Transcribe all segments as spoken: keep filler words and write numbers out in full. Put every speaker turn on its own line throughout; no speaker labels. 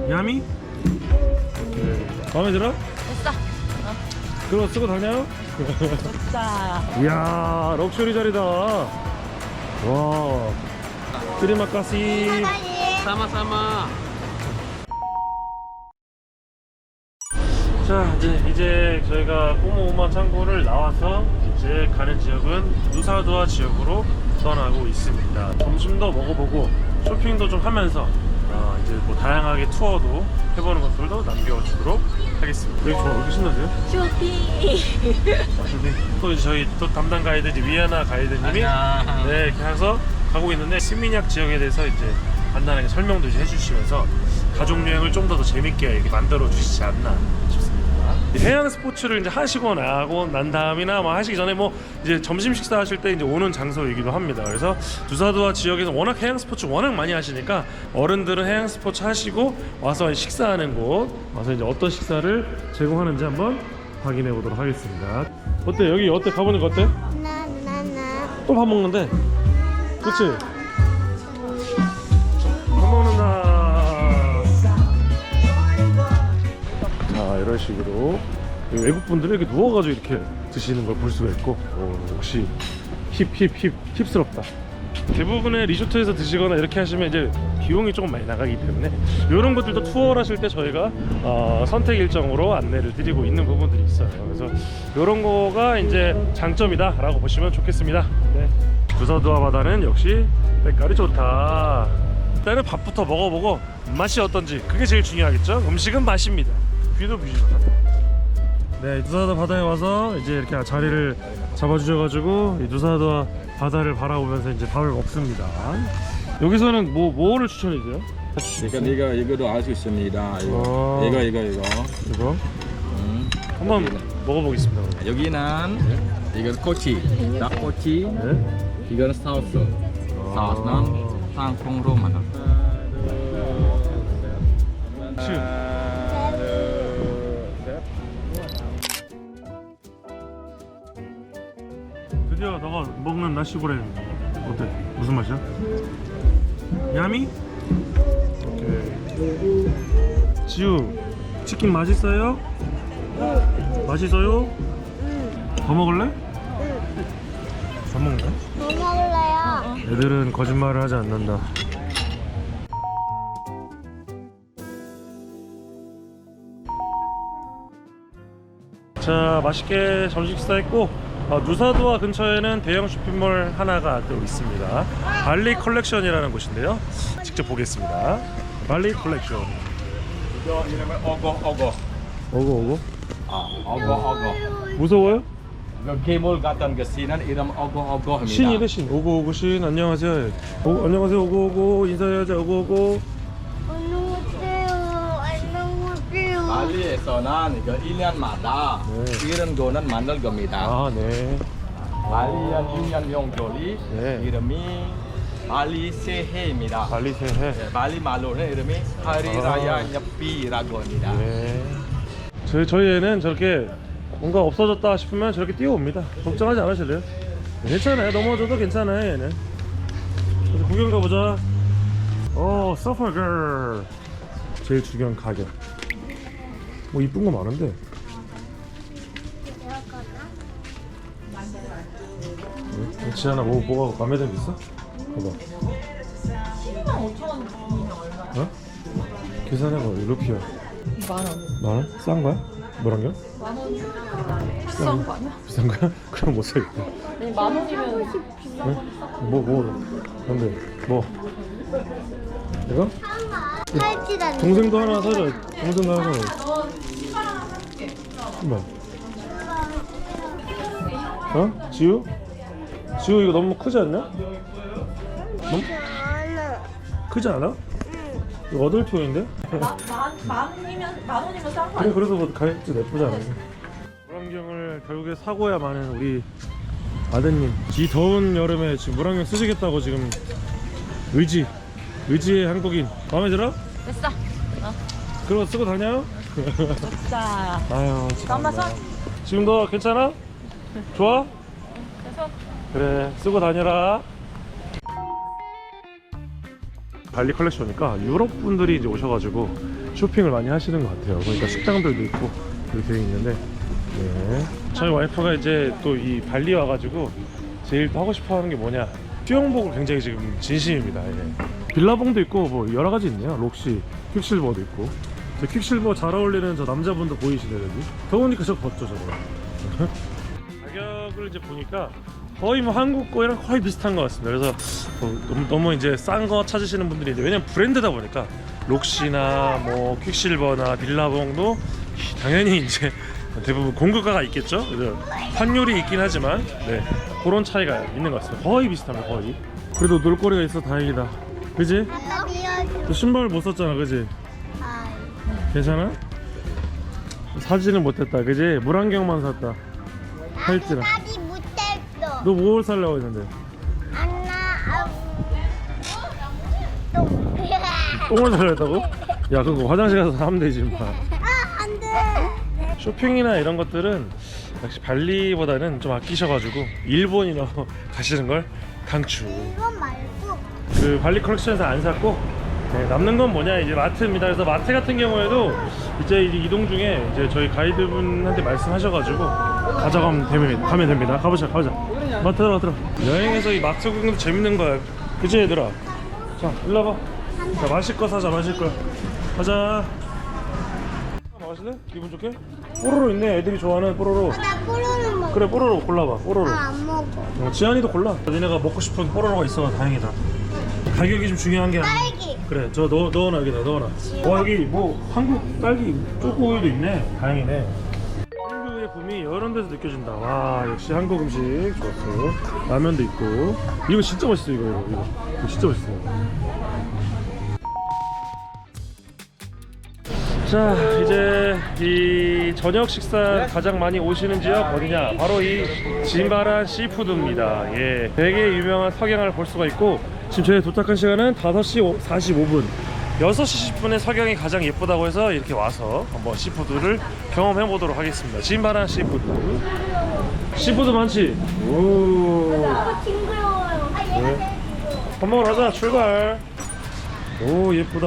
야미? 오케이. 마음에 들어?
됐어. 어.
그거 쓰고 다녀?
자.
이야, 럭셔리 자리다. 와. 트리마카시.
Sama-sama.
자, 이제, 이제 저희가 꼬모오마 창고를 나와서 이제 가는 지역은 누사두아 지역으로 떠나고 있습니다. 점심도 먹어보고 쇼핑도 좀 하면서 어, 이제 뭐 다양하게 투어도 해보는 것들도 남겨주도록 하겠습니다. 여기 좋아, 왜 이렇게 신나세요?
쇼핑.
또 이제 저희 또 담당 가이드 이제 위아나 가이드님이
안녕.
네, 이렇게 해서 가고 있는데 스미냑 지역에 대해서 이제 간단하게 설명도 이제 해주시면서 가족 여행을 좀 더 더 재밌게 이렇게 만들어 주시지 않나 싶습니다. 해양 스포츠를 이제 하시고 나고 난 다음이나 뭐 하시기 전에 뭐 이제 점심 식사 하실 때 이제 오는 장소이기도 합니다. 그래서 누사두아 지역에서 워낙 해양 스포츠 워낙 많이 하시니까 어른들은 해양 스포츠 하시고 와서 식사하는 곳 와서 이제 어떤 식사를 제공하는지 한번 확인해 보도록 하겠습니다. 어때? 여기 어때? 가보니까 어때?
나나나
또 밥 먹는데? 그치? 밥 먹는다. 자, 이런 식으로 외국분들은 이렇게 누워가지고 이렇게 드시는 걸 볼 수가 있고 어, 역시 힙 힙 힙 힙스럽다. 대부분의 리조트에서 드시거나 이렇게 하시면 이제 비용이 조금 많이 나가기 때문에 이런 것들도 투어를 하실 때 저희가 어, 선택 일정으로 안내를 드리고 있는 부분들이 있어요. 그래서 이런 거가 이제 장점이다 라고 보시면 좋겠습니다. 네. 누사두아 바다는 역시 색깔이 좋다. 일단은 밥부터 먹어보고 맛이 어떤지 그게 제일 중요하겠죠. 음식은 맛입니다. 뷰도 뷰지만. 네, 누사두아 바다에 와서 이제 이렇게 자리를 잡아주셔가지고 이 누사두아 바다를 바라보면서 이제 밥을 먹습니다. 여기서는 뭐 뭐를 추천해줘요?
이거 이거 이거도 알 수 있습니다. 이거
어.
이거 이거 이거.
이거
음.
한번 먹어보겠습니다. 그럼.
여기는 이거 꼬치, 닭꼬치.
네.
이거는 사우스. 사우스는 땅콩으로 만든.
치. 드디어 너가 먹는 나시고랭 어때? 무슨 맛이야? 야미? 오케이. 지우, 치킨 맛있어요? 맛있어요? 더 먹을래? 더 먹을래?
뭐 먹을래요?
애들은 거짓말을 하지 않는다. 자, 맛있게 점심 식사했고 어, 누사두아 근처에는 대형 쇼핑몰 하나가 또 있습니다. 발리 컬렉션이라는 곳인데요. 직접 보겠습니다. 발리 컬렉션.
이거 이름은 어거 어거.
오고 오고.
아 어거 어거.
무서워요?
이거 괴물 같은 그 신은 이름 어거 어거입니다.
신이래 신. 오고 오고 신. 안녕하세요. 오, 안녕하세요. 오고 오고 인사해야죠. 오고 오고.
안녕하세요. 안녕하세요.
발리에서는 이거 일 년마다
네.
이런 거는 만들 겁니다.
아, 네.
발리안 일 년 명절이
네.
이름이 발리 새해입니다.
발리 새해.
네, 발리 말로는 이름이 하리라야 녀삐라고 합니다.
네. 저희 저희 애는 저렇게 뭔가 없어졌다 싶으면 저렇게 뛰어옵니다. 걱정하지 않으실래요? 괜찮아요. 넘어져도 괜찮아요. 얘는. 그래서 구경 가보자. 오, 서퍼걸. 제일 중요한 가격. 뭐 이쁜 거 많은데. 네? 지안아 뭐 뭐가 마음에 드는 게 있어? 봐봐.
십이만 오천 원이면 얼마야?
어? 계산해봐. 루피야.
만 원.
만 원? 싼 거야? 뭐란겨?
만 원. 비싼 거 아니야?
비싼 거야? 그럼 못 사겠다.
아니 만 원이면 비싼
네?
거.
뭐, 뭐, 근데, 뭐, 이거?
팔찌라는
동생도 하나 사줘. 동생도 하나 사줘. 뭐? 어? 지우? 지우 이거 너무 크지 않냐? 너무
하나.
크지 않아? 이거 어덜트용인데?
만만 원이면 만 원이면 싼 거
그래,
아니야?
그래도 뭐 가격도 나쁘지 않아. 물안경을 결국에 사고야 마는 우리 아드님. 이 더운 여름에 지금 물안경 쓰시겠다고 지금 의지, 의지의 한국인. 마음에 들어?
됐어. 어.
그거 쓰고 다녀?
자.
아유,
엄마 손.
지금 너 괜찮아? 좋아?
그래서
그래, 쓰고 다녀라. 발리 컬렉션이니까 유럽 분들이 이제 오셔가지고 쇼핑을 많이 하시는 것 같아요. 그러니까 식당들도 있고 이렇게 되어 있는데, 네. 저희 와이프가 이제 또 이 발리 와가지고 제일 또 하고 싶어하는 게 뭐냐, 수영복을 굉장히 지금 진심입니다. 예. 빌라봉도 있고 뭐 여러 가지 있네요. 록시, 퀵실버도 있고. 저 퀵실버 잘 어울리는 저 남자분도 보이시네요. 여기 더우니까 저 벗죠 저거. 가격을 이제 보니까 거의 뭐 한국 거랑 거의 비슷한 것 같습니다. 그래서 뭐 너무, 너무 이제 싼 거 찾으시는 분들이 이제, 왜냐면 브랜드다 보니까 록시나 뭐 퀵실버나 빌라봉도 당연히 이제 대부분 공급가가 있겠죠. 그래서 환율이 있긴 하지만 네, 그런 차이가 있는 것 같습니다. 거의 비슷합니다. 거의. 그래도 놀거리가 있어 다행이다. 그지?
아빠 미안해.
너 신발 못 썼잖아. 그지?
아,
괜찮아? 사지는 못했다. 그지? 물안경만 샀다. 팔찌랑.
나도 못했어.
너 뭘 살려고 했는데?
안나, 아, 또.
똥을 살려 했다고? 야 그거 화장실 가서 사면 되지 마.
아, 안 돼.
쇼핑이나 이런 것들은 역시 발리보다는 좀 아끼셔가지고 일본이나 가시는 걸 강추.
이건 말고.
그 발리 컬렉션에서 안 샀고, 네, 남는 건 뭐냐, 이제 마트입니다. 그래서 마트 같은 경우에도 이제 이동 중에 이제 저희 가이드분한테 말씀하셔가지고 가져가면 됩니다. 가면 됩니다. 가보자, 가보자. 마트 들어, 들어. 여행에서 이 마트 구경도 재밌는 거야. 그치 얘들아? 자, 일로 와봐. 자, 마실 거 사자, 마실 거. 가자. 마실래? 기분 좋게? 뽀로로 있네. 애들이 좋아하는 뽀로로.
어, 나 뽀로로 먹어.
그래, 뽀로로 골라봐. 뽀로로.
아, 안 먹어.
어, 지안이도 골라. 니네가 먹고 싶은 뽀로로가 있어. 다행이다. 가격이 좀 중요한 게 아니야.
딸기.
그래, 저 넣어, 넣어놔, 여기다 넣어놔. 와, 여기 뭐 한국 딸기 초코우유도 있네. 다행이네. 한국의 붐이 이런 데서 느껴진다. 와, 역시 한국 음식 좋았어. 라면도 있고. 이거 진짜 맛있어. 이거 이거 이거, 이거 진짜 맛있어. 자, 이제 이 저녁 식사 가장 많이 오시는 지역 어디냐? 바로 이 짐바란 시푸드입니다. 예, 되게 유명한 석양을 볼 수가 있고, 지금 저희 도착한 시간은 다섯 시 사십오 분. 여섯 시 십 분에 석양이 가장 예쁘다고 해서 이렇게 와서 한번 시푸드를 경험해 보도록 하겠습니다. 짐바란 시푸드. 시푸드 많지? 오.
아, 징그러워요. 아, 얘가
네.
제일
밥 먹으러 가자. 출발. 오, 예쁘다.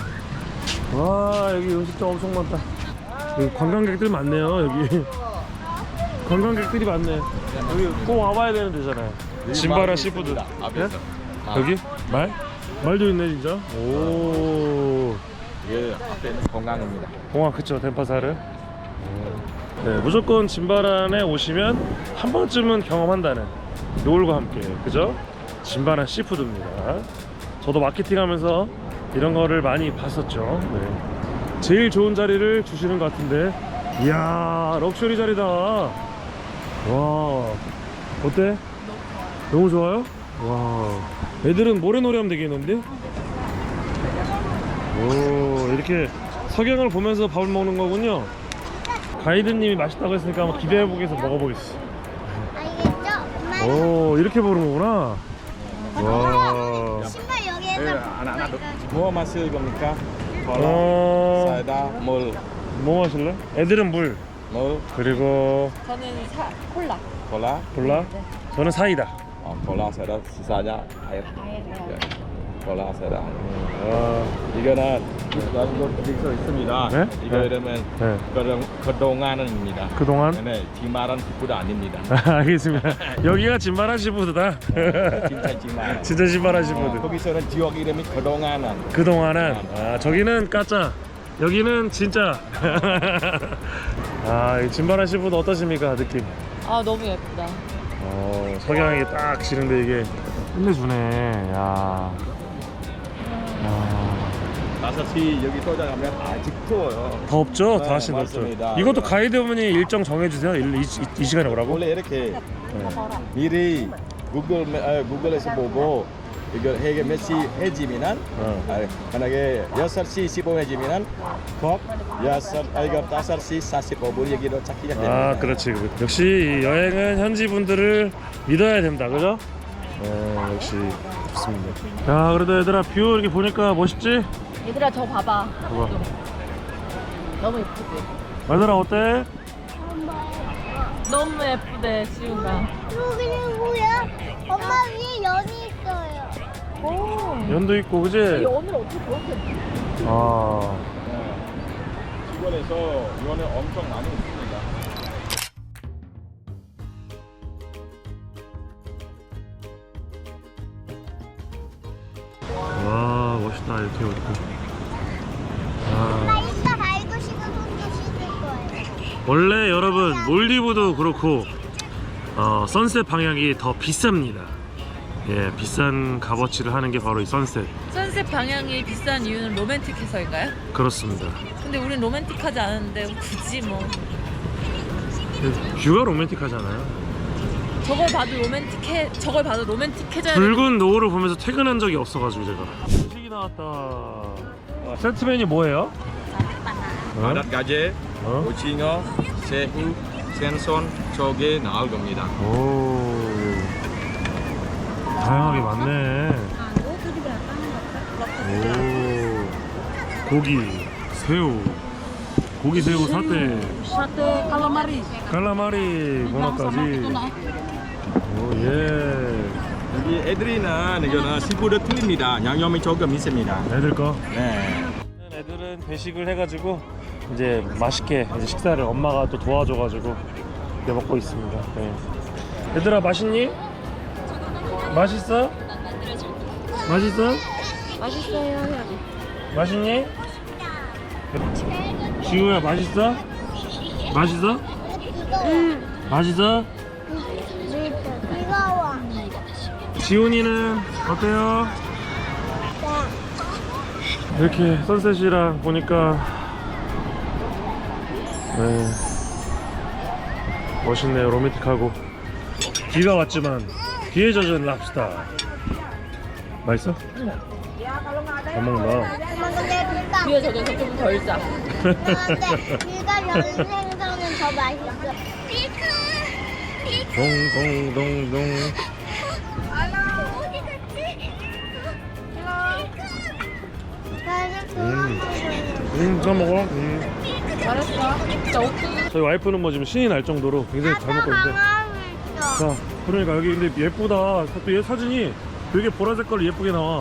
와, 여기 음식점 엄청 많다. 여기 관광객들 많네요. 여기 관광객들이 많네. 여기 꼭 와봐야 되는 데잖아요. 짐바라 시푸드. 예? 여기? 말? 말도 있네 진짜. 오.
예, 앞에는 공항입니다.
공항 그쵸, 덴파사르. 네, 무조건 짐바란에 오시면 한 번쯤은 경험한다는 노을과 함께, 그죠? 짐바란 시푸드입니다. 저도 마케팅하면서 이런 거를 많이 봤었죠. 네. 제일 좋은 자리를 주시는 것 같은데, 이야, 럭셔리 자리다. 와, 어때? 너무 좋아요? 와, 애들은 모래놀이 하면 되겠는데? 오, 이렇게 석양을 보면서 밥을 먹는 거군요. 가이드님이 맛있다고 했으니까 한번 기대해보겠어. 먹어보겠어.
알겠죠? 엄마.
오, 이렇게 보는 거구나. 와.
신발
예,
여기에서.
아nak-anak 뭐 마실 겁니까? 콜라,
어,
사이다, 물,
뭐 마실래? 애들은 물,
물,
그리고
저는 사, 콜라.
콜라,
콜라. 저는 사이다.
어, 콜라, 사이다, sisanya air. 예, 콜라, 사이다.
아,
이거는 이거 써 있습니다.
네?
이거
네.
이러면
네.
그동 그동안입니다.
그동안?
네, 디마란 기쁘도 아닙니다.
알겠습니다. 여기가 짐바란 시푸드다.
진짜 디마.
진짜 짐바란
어,
시푸드.
거기서는 지역 이름이 그동안은.
그동안은, 아, 저기는 까짜, 여기는 진짜. 아, 이 짐바란 시푸드 어떠십니까, 느낌?
아, 너무 예쁘다.
어, 석양이 딱 지는데 이게 끝내주네. 야. 야.
다섯 시 여기 도착하면 아직 추워요.
더 없죠?
네,
다시 없죠.
맞습니다.
이것도 가이드분이 일정 정해주세요. 일, 이, 이, 이 시간에 오라고?
원래 이렇게
네.
미리 구글 아, 구글에서 보고 이거 해게 몇 시 해지면은
어.
아, 만약에 여섯 시 십오 해지면은 꼭 여섯 아 이거 다섯 시 사십오 분 여기로 찾기 시작됩니다.
아, 그렇지. 역시 이 여행은 현지 분들을 믿어야 된다, 그죠? 네, 역시 좋습니다. 야, 그래도 얘들아 뷰 이렇게 보니까 멋있지?
얘들아, 저 봐봐.
봐봐.
너무 예쁘지?
얘들아 어때?
너무 예쁘대, 지우가.
여기는 뭐야? 엄마 위에 연이 있어요.
오.
연도 있고, 그지?
이 오늘 어떻게 그렇게.
아,
베트남에서 이거는 엄청 많이 있습니다.
와 멋있다 이렇게 오니까.
나
아,
이따 발도 씻고 손도 씻을 거예요.
원래 여러분 몰디브도 그렇고 어, 선셋 방향이 더 비쌉니다. 예, 비싼 값어치를 하는 게 바로 이 선셋.
선셋 방향이 비싼 이유는 로맨틱해서인가요?
그렇습니다.
근데 우린 로맨틱하지 않은데 굳이 뭐
뷰가 로맨틱하잖아요.
저걸 봐도 로맨틱해 저걸 봐도 로맨틱해져야 돼.
붉은 노을을 보면서 퇴근한 적이 없어가지고 제가. 음식이 나왔다. 아, 세트 메뉴 뭐예요? 어?
바닷 가재,
어?
오징어, 새우, 생선, 조개 나올 겁니다.
오, 다양하게 많네. 오, 고기, 새우, 고기, 새우, 사태,
샤테 칼라마리.
칼라마리, 문어까지. 오, 예.
여기 애들이나 이거는 시푸드 틀립니다. 양념이 조금 있습니다.
애들 거.
네.
애들은 배식을 해가지고 이제 맛있게 이제 식사를 엄마가 또 도와줘가지고 이렇게 먹고 있습니다. 네. 얘들아 맛있니? 맛있어? 맛있어?
맛있어요 해야지.
맛있니? 지우야 맛있어? 맛있어?
응.
맛있어?
뜨거워.
지훈이는 어때요? 이렇게 선셋이랑 보니까 네, 멋있네요. 로맨틱하고 비가 왔지만 비에 젖은 랍스타 맛있어? 잘 먹는다.
엄마 근데 비가
뒤에 저겨서 좀 덜 짜.
근데 비가 연 생선은 더 맛있어. 비크.
동동동동.
어디 갔지?
음, 음, 잘 먹어. 음.
잘했어. 진짜 옥수수.
저희 와이프는 뭐 지금 신이 날 정도로 굉장히 잘 먹고 있는데. 자, 그러니까 여기 근데 예쁘다. 또 얘 사진이 되게 보라색깔로 예쁘게 나와.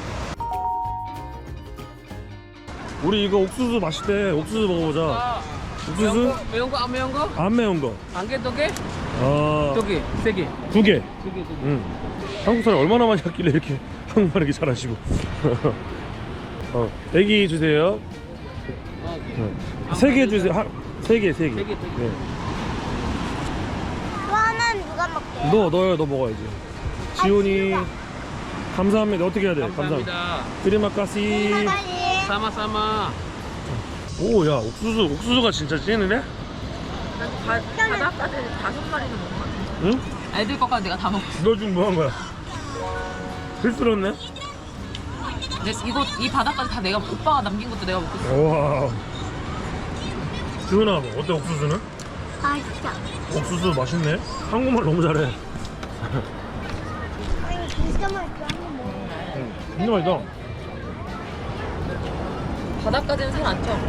우리 이거 옥수수 맛있대. 옥수수 먹어보자. 옥수수?
매운 거 안 매운 거?
안 매운 거.
한 개, 두 개?
아,
두 개, 세 개.
두 개.
두 개, 두 개.
응. 한국 사람 얼마나 많이 했길래 이렇게 한국말 이렇게 잘하시고. 어, 애기 주세요. 세 개 주세요. 한, 세 개, 세 개.
세 개, 세 개.
네.
또 하나는 누가 먹게?
너, 너요, 너 먹어야지. 지훈이. 감사합니다. 어떻게 해야 돼? 감사합니다.
감사합니다.
트리마카시.
빨리.
사마사마.
오, 야, 옥수수, 옥수수가 진짜 찐이네?
바닷가에 다섯 마리는 먹은 것 같아.
응?
애들 것까지 내가 다 먹었어.
너 지금 뭐 한 거야? 실수했네?
근데 이거 이 바닷가에 다 내가 오빠가 남긴 것도 내가 먹었어.
와. 지훈아, 어때, 옥수수는?
맛있어.
옥수수 맛있네? 한국말 너무 잘해.
아니 진짜 맛있어. 한번 먹어.
응, 진짜 맛있다.
바닷가에는 살 안 쪄.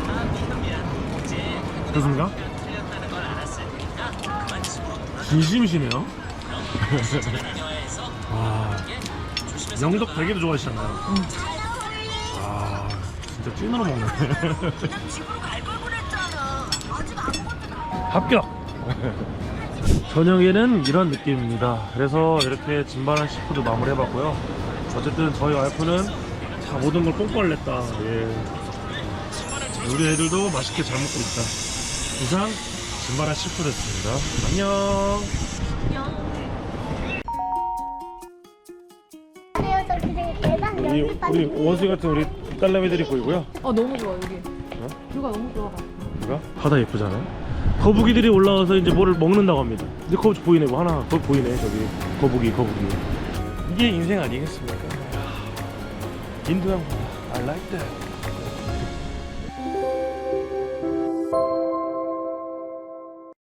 그렇습니까? 진심이시네요. 와, 영덕 되게도 좋아하시잖아요. 와, 진짜 찐으로 먹네. 합격! 저녁에는 이런 느낌입니다. 그래서 이렇게 진바란 시푸드 마무리 해봤고요. 어쨌든 저희 와이프는 다 모든 걸 뽕뽕을 냈다. 예. 우리 애들도 맛있게 잘 먹고 있다. 이상 진바란 시푸드였습니다. 안녕.
그래서 그래 계단
우리, 우리 원숭이 같은 우리 딸내미들이 보이고요.
어 너무 좋아 여기.
어?
뷰가 너무 좋아.
누가? 바다 예쁘잖아요. 거북이들이 올라와서 이제 뭐를 먹는다고 합니다. 근데 거기 보이네, 뭐 하나 거기 보이네. 저기 거북이, 거북이. 이게 인생 아니겠습니까? 인도양 바다. I like that.